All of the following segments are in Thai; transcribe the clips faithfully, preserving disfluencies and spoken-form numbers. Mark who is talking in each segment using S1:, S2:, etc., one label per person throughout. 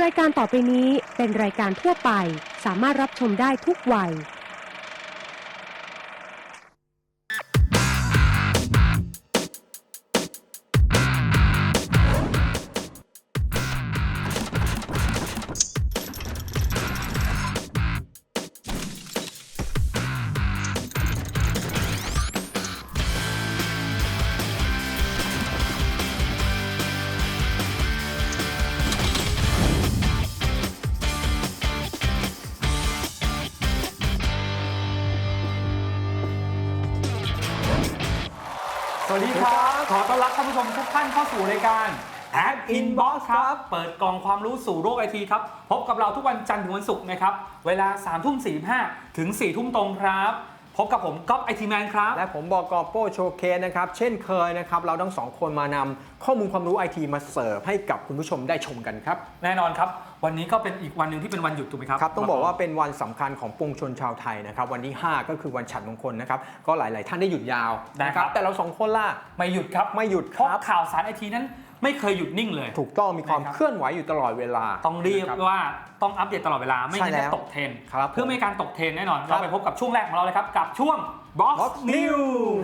S1: รายการต่อไปนี้เป็นรายการทั่วไปสามารถรับชมได้ทุกวัย
S2: สวัสดีครับขอต้อนรับท่านผู้ชมทุกท่านเข้าสู่รายการ Hack Inbox ครับเปิดกล่องความรู้สู่โลกไอทีครับพบกับเราทุกวันจันทร์ถึงวันศุกร์นะครับเวลา สามทุ่มสี่สิบห้า ถึง สี่ทุ่มตรงครับพบกับผมก๊อฟไอทีแมนครับ
S3: และผมบอกโป้โชเคสนะครับเช่นเคยนะครับเราทั้งสองคนมานำข้อมูลความรู้ไอทีมาเสิร์ฟให้กับคุณผู้ชมได้ชมกันครับ
S2: แน่นอนครับวันนี้ก็เป็นอีกวันหนึ่งที่เป็นวันหยุดถูกไหมครับ
S3: ครับต้องบอกว่าเป็นวันสำคัญของปวงชนชาวไทยนะครับวันที่ห้าก็คือวันฉัตรมงคลนะครับก็หลายๆท่านได้หยุดยาวนะครับแต่เราสองคนล่ะ
S2: ไม่หยุดครับ
S3: ไม่หยุด
S2: เพราะข่าวสารไอทีนั้นไม่เคยหยุดนิ่งเลย
S3: ถูกต้องมีความเคลื่อนไหวอยู่ตลอดเวลา
S2: ต้องเรียกว่าต้องอัปเดตตลอดเวลาไม่งั้นจะตกเทรนด์เพื่อไม่ให้การตกเทรนด์แน่นอนเราไปพบกับช่วงแรกของเราเลยครับกับช่วง Box News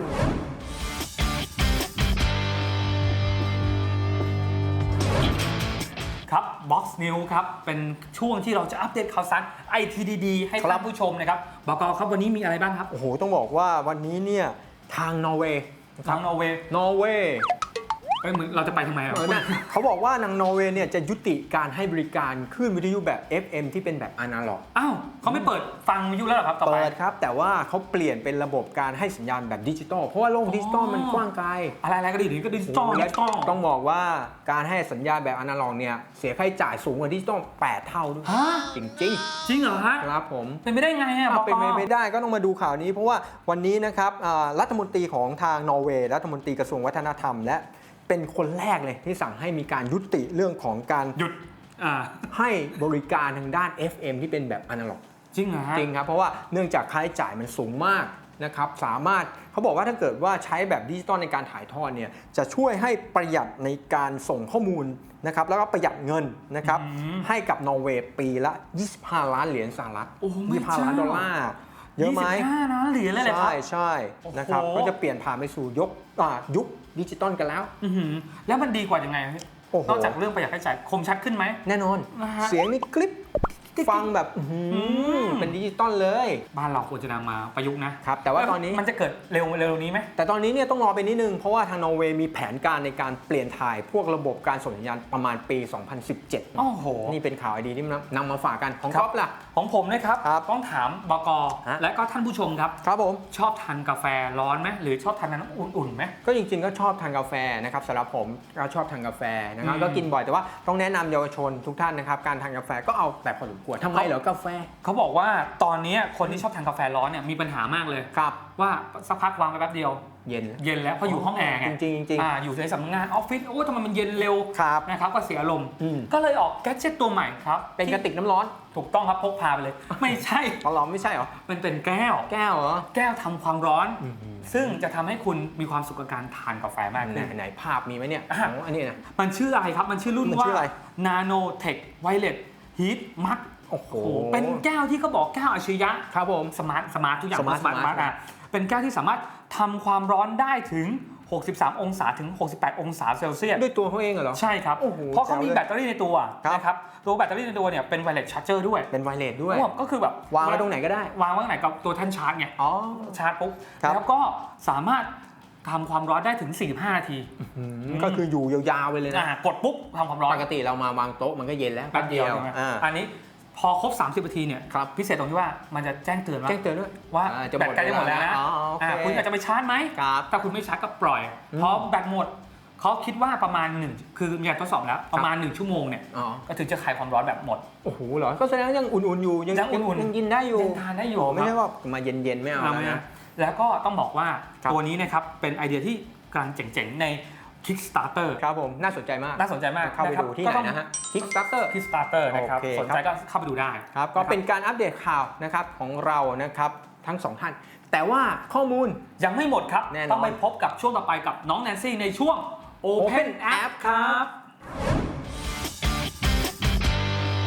S2: ครับ Box News ครับเป็นช่วงที่เราจะอัปเดตข่าวสาร ไอ ที ดี ๆ ให้ท่านผู้ชมนะครับบก.ครับวันนี้มีอะไรบ้างครับ
S3: โอ้โหต้องบอกว่าวันนี้เนี่ยทางนอร์เวย์
S2: ทางนอร์เวย์
S3: นอร์เวย์
S2: เหมือนเราจะไปทำไมอ่ะ
S3: เขาบอกว่านางนอร์เวย์เนี่ยจะยุติการให้บริการคลื่นวิทยุแบบ เอฟ เอ็ม ที่เป็นแบบอนาล็อก
S2: อ้าวเขาไม่เปิดฟังวิทยุแล้วเหรอครับต่อไป
S3: เปิดครับแต่ว่าเขาเปลี่ยนเป็นระบบการให้สัญญาณแบบดิจิตอลเพราะว่าโลกดิจิตอลมันกว้างไกล
S2: อะไรๆก็ดีนี่ก็ดิจิตอลดิจิตอล
S3: ต้องบอกว่าการให้สัญญาณแบบอนาล็อกเนี่ยเสียค่าใช้จ่ายสูงกว่าดิจิตอลแปดเท่าด้วยจริงจริง
S2: จริงเหรอฮะ
S3: ครับผม
S2: เป็นไม่ได้ไงอ่ะ
S3: เป็นไม่ได้ก็ต้องมาดูข่าวนี้เพราะว่าวันนี้นะครับรัฐมนตรีของทางนอร์เวย์รัฐมนตรีกระทรวงวัฒนธรรมและเป็นคนแรกเลยที่สั่งให้มีการยุติเรื่องของการ
S2: หยุด
S3: ให้บริการทางด้าน เอฟ เอ็ม ที่เป็นแบบอนาล็อก
S2: จริงเหรอฮะ
S3: จริงครับเพราะว่าเนื่องจากค่าใช้จ่ายมันสูงมากนะครับสามารถเขาบอกว่าถ้าเกิดว่าใช้แบบดิจิตอลในการถ่ายทอดเนี่ยจะช่วยให้ประหยัดในการส่งข้อมูลนะครับแล้วก็ประหยัดเงินนะครับให้กับนอร์เวย์ปีละยี่สิบห้าล้านเหรียญสหรัฐยี่สิบห้าล้านดอลลาร์เยอะไหม
S2: ยี่สิบห้าล้านเหรียญเลยเหรอครับ
S3: ใช่ใช่นะครับก็จะเปลี่ยนผ่านไปสู่ยกยุคดิจิตอลกันแล้ว
S2: แล้วมันดีกว่ายังไงนอกจากเรื่องประหยัดค่าใช้จ่ายคมชัดขึ้นไหม
S3: แน่นอนเสียงนี่คลิปฟังแบบเป็นดิจิตอลเลย
S2: บ้านเราควรจะนำมาประยุกต์
S3: นะครับแต่ว่าตอนนี้
S2: มันจะเกิดเร็วเร็วนี้ไหม
S3: แต่ตอนนี้เนี่ยต้องรอไปนิดนึงเพราะว่าทางนอร์เวย์มีแผนการในการเปลี่ยนถ่ายพวกระบบการส่งสัญญาณประมาณปีสองพันสิบเจ็ด
S2: โอ้โห
S3: นี่เป็นข่าวดีที่นำมาฝากกันของก๊อฟล่ะ
S2: ของผมนะครับต้องถามบก.และก็ท่านผู้ชมครับ
S3: ครับผม
S2: ชอบทานกาแฟร้อนไหมหรือชอบทานน้ำอุ่นๆไหม
S3: ก็จริงๆก็ชอบทานกาแฟนะครับสำหรับผมก็ชอบทานกาแฟนะครับก็กินบ่อยแต่ว่าต้องแนะนำเยาวชนทุกท่านนะครับการทานกาแฟก็เอาแต่พอสมควรทำไมเหรอกาแฟ
S2: เขาบอกว่าตอนนี้คนที่ชอบทานกาแฟร้อนเนี่ยมีปัญหามากเลย
S3: ครับ
S2: ว่าสักพักวางไปแป๊บเดียว
S3: เย็น
S2: เย็นแล้วเพราะอยู่ห้องแอร์ไง
S3: จริงจริง
S2: อยู่ในสำนักงานออฟฟิศโอ้ทำไมมันเย็นเร็วนะครับก็เสียอารมณ์ก็เลยออกแกดเจ็ตตัวใหม่ครับ
S3: เป็นกระติกน้ำร้อน
S2: ถูกต้องครับพกพาไปเลยไม่ใช่
S3: ร้อนไม่ใช่หรอ
S2: มันเป็นแก้ว
S3: แก้วเหรอ
S2: แก้วทำความร้อนซึ่งจะทำให้คุณมีความสุขกับการทานกาแฟมากขึ้น
S3: ไหนภาพมีไหมเนี่ยอันนี้นะ
S2: มันชื่ออะไรครับมันชื่อรุ่นว่า Nanotech Violet Heat Mugโอ้โหเป็นแก้วที่เขาบอกแก้วอัจฉริยะ
S3: ครับผม
S2: สมาร์ทสมาร์ททุกอย่างสมาร์ทสมาร์ทอ่ะเป็นแก้วที่สามารถทำความร้อนได้ถึงหกสิบสามองศาถึงหกสิบแปดองศาเซลเซียส
S3: ด้วยตัวเขาเองเหรอ
S2: ใช่ครับเพราะเขามีแบตเตอรี่ในตัวนะครับตัวแบตเตอรี่ในตัวเนี่ยเป็นไวเลสชาร์จเจอร์ด้วย
S3: เป็นไวเลสด้วย
S2: ก็คือแบบ
S3: วางไว้ตรงไหนก็ได้
S2: วางไว้ตรงไหนกับตัวท่านชาร์จไง
S3: อ๋อ
S2: ชาร์จปุ๊บแล้วก็สามารถทำความร้อนได้ถึงสี่สิบห้านาที
S3: ก็คืออยู่ยาวๆไปเลยนะ
S2: กดปุ๊บทำความร้อน
S3: ปกติเรามาวางโต๊ะมันก็เย็นแล้ว
S2: แป๊บเดียวอันนี้พอครบสามสิบนาทีเนี่ยพิเศษตรงที่ว่ามันจะแจ้งเตือนว่า
S3: แจ้งเตือนด้วย
S2: ว่าแบตใกล้จะหมดแล้วนะคุณอยากจะไปชาร์จไหมถ้าคุณไม่ชาร์จก็ปล่อยเพราะแบตหมดเขาคิดว่าประมาณหนึ่งคือมีการทดสอบแล้วประมาณหนึ่งชั่วโมงเนี่ยก็ถึงจะคลายความร้อนแบบหมด
S3: โอ้โหเหรอก็แสดงว่ายังอุ่นๆอยู่
S2: ยังอุ่นๆ
S3: ยังกินได้อยู่
S2: ยังทานได้อยู่
S3: ไม่ใช่ว่ามาเย็นๆไม่เอานะ
S2: แล้วก็ต้องบอกว่าตัวนี้นะครับเป็นไอเดียที่กำลังเจ๋งๆในKickstarter
S3: ครับผมน่าสนใจมาก
S2: น่าสนใจมาก
S3: เข้าไปดูที่ไหนนะฮะ Kickstarter
S2: Kickstarter นะครับสนใจก็เข้าไปดูได้
S3: ครับก็เป็นการอัปเดตข่าวนะครับของเรานะครับทั้งสองท่านแต่ว่าข้อมูล
S2: ยังไม่หมดครับต้องไปพบกับช่วงต่อไปกับน้องแนนซี่ในช่วง Open App ครับ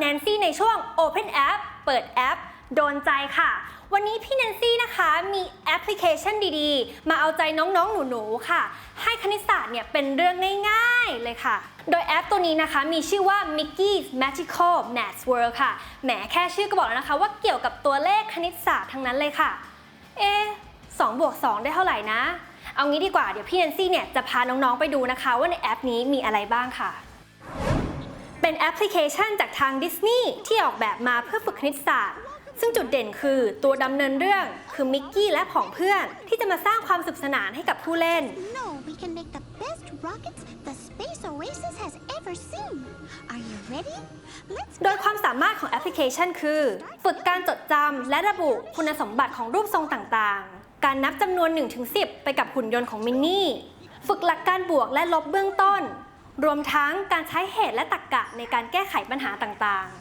S4: แนนซี่ในช่วง Open App เปิดแอปโดนใจค่ะวันนี้พี่แนนซี่นะคะมีแอปพลิเคชันดีๆมาเอาใจน้องๆหนูๆค่ะให้คณิตศาสตร์เนี่ยเป็นเรื่องง่ายๆเลยค่ะโดยแอปตัวนี้นะคะมีชื่อว่า Mickey's Magical Maths World ค่ะแหมแค่ชื่อก็บอกแล้วนะคะว่าเกี่ยวกับตัวเลขคณิตศาสตร์ทั้งนั้นเลยค่ะเอ๊ะสองบวกสองได้เท่าไหร่นะเอางี้ดีกว่าเดี๋ยวพี่แนนซี่เนี่ยจะพาน้องๆไปดูนะคะว่าในแอปนี้มีอะไรบ้างค่ะเป็นแอปพลิเคชันจากทางดิสนีย์ที่ออกแบบมาเพื่อฝึกคณิตศาสตร์ซึ่งจุดเด่นคือตัวดำเนินเรื่องคือมิกกี้และผองเพื่อนที่จะมาสร้างความสนุกสนานให้กับผู้เล่น
S5: No, we can make the best rockets the Space Oasis has ever seen. Are you ready? Let's
S4: โดยความสามารถของแอปพลิเคชันคือฝึกการจดจำและระบุคุณสมบัติของรูปทรงต่างๆการนับจำนวน หนึ่งถึงสิบ ไปกับหุ่นยนต์ของมินนี่ฝึกหลักการบวกและลบเบื้องต้นรวมทั้งการใช้เหตุและตรรกะในการแก้ไขปัญหาต่างๆ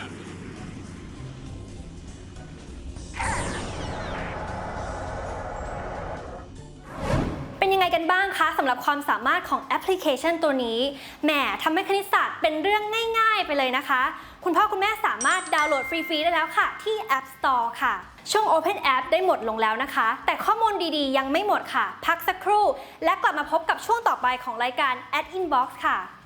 S4: เป็นยังไงกันบ้างคะสำหรับความสามารถของแอปพลิเคชันตัวนี้แหมทำให้คณิตศาสตร์เป็นเรื่องง่ายๆไปเลยนะคะคุณพ่อคุณแม่สามารถดาวน์โหลดฟรีๆได้แล้วค่ะที่ App Store ค่ะช่วง Open App ได้หมดลงแล้วนะคะแต่ข้อมูลดีๆยังไม่หมดค่ะพักสักครู่และกลับมาพบกับช่วงต่อไปของรายการ Ad Inbox ค่ะ